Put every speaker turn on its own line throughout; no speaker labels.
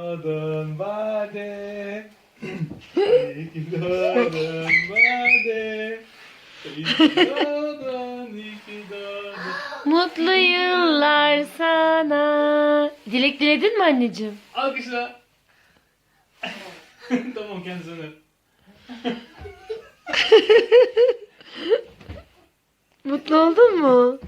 doğdun Bade. İyi ki doğdun Bade. İyi ki doğdun, iyi ki doğdun.
Mutlu yıllar sana. Dilek diledin mi anneciğim?
Alkışla. Tamam, kendisine öp.
Mutlu oldun mu?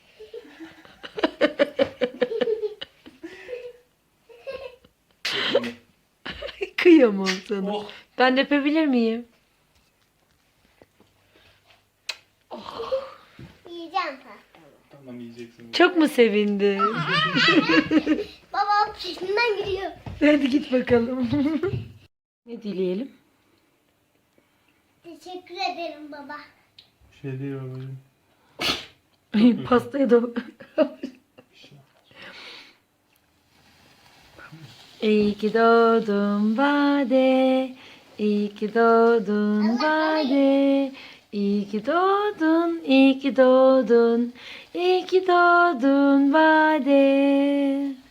Kıyamam sana.
Oh.
Ben de öpebilir miyim?
Yiyeceğim pastamı.
Tamam, yiyeceksin.
Çok mu sevindin?
Babam peşinden gidiyor.
Hadi git bakalım. Ne dileyelim?
Teşekkür ederim baba.
Bir şey değil babacığım.
Pastaya da... İyi ki doğdun Bade. İyi ki doğdun Bade. İyi ki doğdun, iyi ki doğdun. İyi ki doğdun Bade.